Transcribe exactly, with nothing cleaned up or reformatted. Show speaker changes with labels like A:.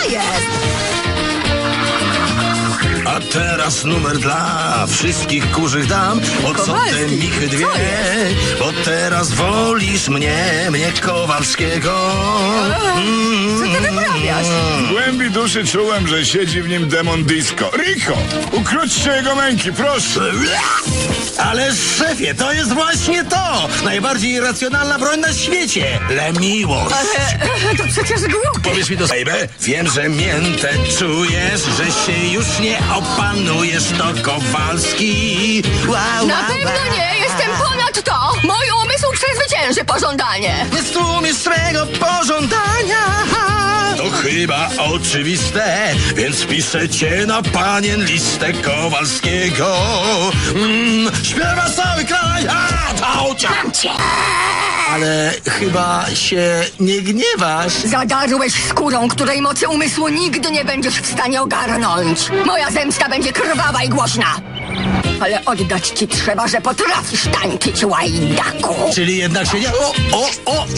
A: jest?
B: A teraz numer dla wszystkich kurzych dam. Po co te
A: Kowalski,
B: michy dwie?
A: co jest?
B: Bo teraz wolisz mnie, mnie Kowalskiego.
A: Co ty wyprawiasz?
C: W głębi duszy czułem, że siedzi w nim demon disco. Rico, ukróćcie jego męki, proszę.
B: Ale szefie, to jest właśnie to! Najbardziej irracjonalna broń na świecie! Lemiłość!
A: Ale to przecież głupie.
B: Powiedz mi to, baby. Wiem, że miętę czujesz, że się już nie opanujesz, to Kowalski. Wow,
A: Na
B: wow,
A: pewno
B: wow.
A: nie, jestem ponad to. Mój umysł przezwycięży pożądanie.
B: Nie stłumisz swego pożądania. To chyba oczywiste, więc piszę cię na panien listę Kowalskiego. Mm, śpiewa cały kraj, a to cię.
A: Mam cię.
B: Ale chyba się nie gniewasz.
A: Zadarłeś skórą, której mocy umysłu nigdy nie będziesz w stanie ogarnąć. Moja zemsta będzie krwawa i głośna. Ale oddać ci trzeba, że potrafisz tańczyć, łajdaku.
B: Czyli jednak się nie... O, o, o!